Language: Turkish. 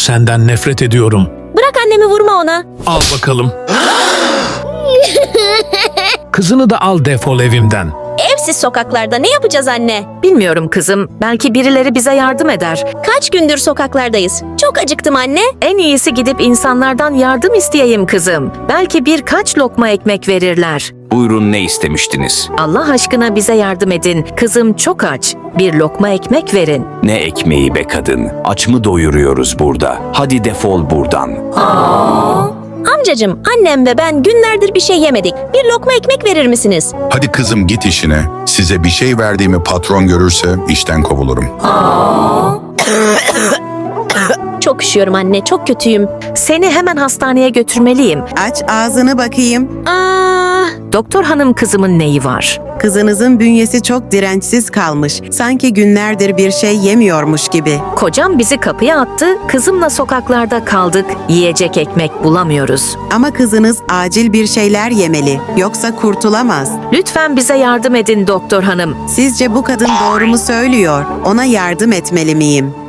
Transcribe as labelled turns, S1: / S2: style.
S1: Senden nefret ediyorum.
S2: Bırak annemi, vurma ona.
S1: Al bakalım. Kızını da al, defol evimden.
S2: Evsiz sokaklarda ne yapacağız anne?
S3: Bilmiyorum kızım. Belki birileri bize yardım eder.
S2: Kaç gündür sokaklardayız. Çok acıktım anne.
S3: En iyisi gidip insanlardan yardım isteyeyim kızım. Belki birkaç lokma ekmek verirler.
S4: Buyurun, ne istemiştiniz?
S3: Allah aşkına bize yardım edin. Kızım çok aç. Bir lokma ekmek verin.
S4: Ne ekmeği be kadın? Aç mı doyuruyoruz burada? Hadi defol buradan.
S2: Amcacığım, annem ve ben günlerdir bir şey yemedik. Bir lokma ekmek verir misiniz?
S5: Hadi kızım git işine. Size bir şey verdiğimi patron görürse işten kovulurum.
S2: Çok üşüyorum anne, çok kötüyüm.
S3: Seni hemen hastaneye götürmeliyim.
S6: Aç ağzını bakayım.
S3: Doktor hanım, kızımın neyi var?
S6: Kızınızın bünyesi çok dirençsiz kalmış. Sanki günlerdir bir şey yemiyormuş gibi.
S3: Kocam bizi kapıya attı. Kızımla sokaklarda kaldık. Yiyecek ekmek bulamıyoruz.
S6: Ama kızınız acil bir şeyler yemeli. Yoksa kurtulamaz.
S3: Lütfen bize yardım edin doktor hanım.
S6: Sizce bu kadın doğru mu söylüyor? Ona yardım etmeli miyim?